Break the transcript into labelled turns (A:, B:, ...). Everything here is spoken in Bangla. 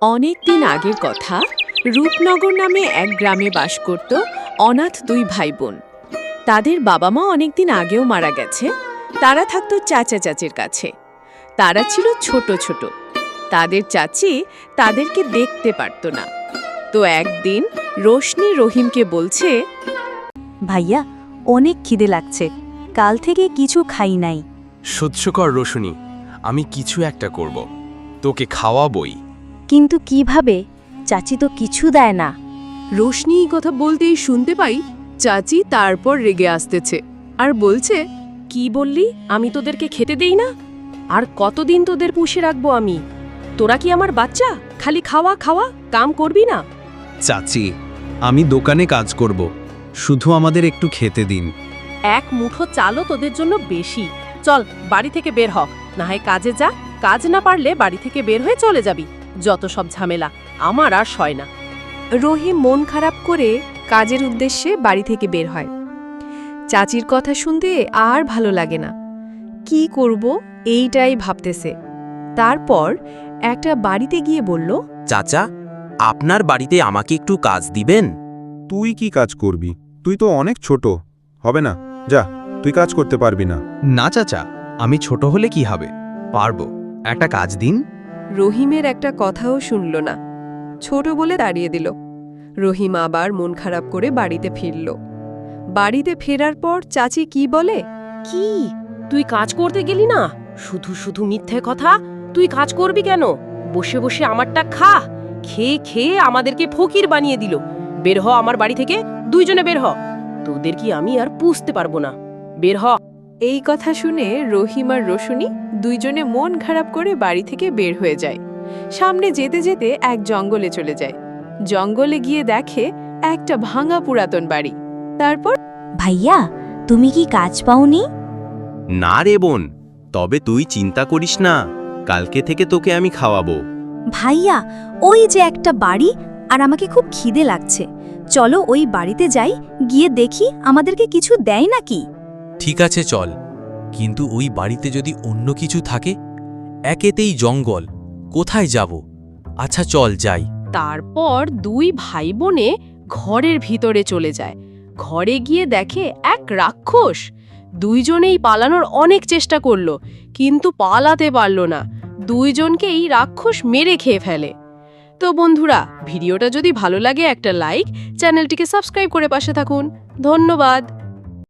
A: অনেক দিন আগের কথা। রূপনগর নামে এক গ্রামে বাস করত অনাথ দুই ভাই বোন। তাদের বাবা মা অনেকদিন আগেও মারা গেছে। তারা থাকতো চাচা চাচির কাছে। তারা ছিল ছোট ছোট। তাদের চাচি তাদেরকে দেখতে পারত না। তো একদিন রোশনি রহিমকে বলছে,
B: ভাইয়া, অনেক খিদে লাগছে, কাল থেকে কিছু খাই নাই।
C: সহ্য কর রোশনি, আমি কিছু একটা করব, তোকে খাওয়াবই।
B: কিন্তু কিভাবে? চাচি তো কিছু দেয় না।
A: রোশনি এই কথা বলতেই শুনতে পাই চাচি তারপর রেগে আসতেছে আর বলছে,
D: কি বললি? আমি তোদেরকে খেতে দেই না? আর কতদিন তোদের পুষে রাখবো আমি? তোরা কি আমার বাচ্চা? খালি খাওয়া খাওয়া, কাম করবি না?
E: চাচি, আমি দোকানে কাজ করব, শুধু আমাদের একটু খেতে দিন।
D: এক মুঠো চালও তোদের জন্য বেশি। চল বাড়ি থেকে বের হ, না হয় কাজে যা। কাজ না পারলে বাড়ি থেকে বের হয়ে চলে যাবি। যত সব ঝামেলা, আমার আর সয় না।
A: রহিম মন খারাপ করে কাজের উদ্দেশ্যে বাড়ি থেকে বের হয়। চাচির কথা শুনতে আর ভালো লাগে না। কি করব এইটাই ভাবতেছে। তারপর একটা বাড়িতে গিয়ে বলল,
F: চাচা, আপনার বাড়িতে আমাকে একটু কাজ দিবেন?
G: তুই কি কাজ করবি? তুই তো অনেক ছোট, হবে না, যা, তুই কাজ করতে পারবি না।
E: না চাচা, আমি ছোট হলে কি হবে, পারবো, একটা কাজ দিন।
A: রহিমের একটা কথাও শুনল না, ছোট বলে দাঁড়িয়ে দিল। রহিম আবার মন খারাপ করে বাড়িতে ফিরল। বাড়িতে ফেরার পর চাচি কি বলে,
D: কি তুই কাজ করতে গেলি না? শুধু শুধু মিথ্যে কথা। তুই কাজ করবি কেন? বসে বসে আমারটা খা। খেয়ে খেয়ে আমাদেরকে ফকির বানিয়ে দিল। বের হ আমার বাড়ি থেকে, দুইজনে বের হ। তোদের কি আমি আর পুষতে পারবো না? বের হ।
A: এই কথা শুনে রহিম আর রোশনি দুইজনে মন খারাপ করে বাড়ি থেকে বের হয়ে যায়। সামনে যেতে যেতে এক জঙ্গলে চলে যায়। জঙ্গলে গিয়ে দেখে একটা ভাঙা পুরাতন বাড়ি। তারপর,
B: ভাইয়া, তুমি কি কাজ পাওনি?
F: না রে বোন, তবে তুই চিন্তা করিস না, কালকে থেকে তোকে আমি খাওয়াবো।
B: ভাইয়া, ওই যে একটা বাড়ি, আর আমাকে খুব খিদে লাগছে। চলো ওই বাড়িতে যাই, গিয়ে দেখি আমাদেরকে কিছু দেয় নাকি।
H: ঠিক আছে চল, কিন্তু ওই বাড়িতে যদি অন্য কিছু থাকে? একেতেই জঙ্গল, কোথায় যাব? আচ্ছা চল যাই।
D: তারপর দুই ভাই বোনে ঘরের ভিতরে চলে যায়। ঘরে গিয়ে দেখে এক রাক্ষস। দুইজনেই পালানোর অনেক চেষ্টা করলো, কিন্তু পালাতে পারল না। দুইজনকেই রাক্ষস মেরে খেয়ে ফেলে। তো বন্ধুরা, ভিডিওটা যদি ভালো লাগে একটা লাইক, চ্যানেলটিকে সাবস্ক্রাইব করে পাশে থাকুন। ধন্যবাদ।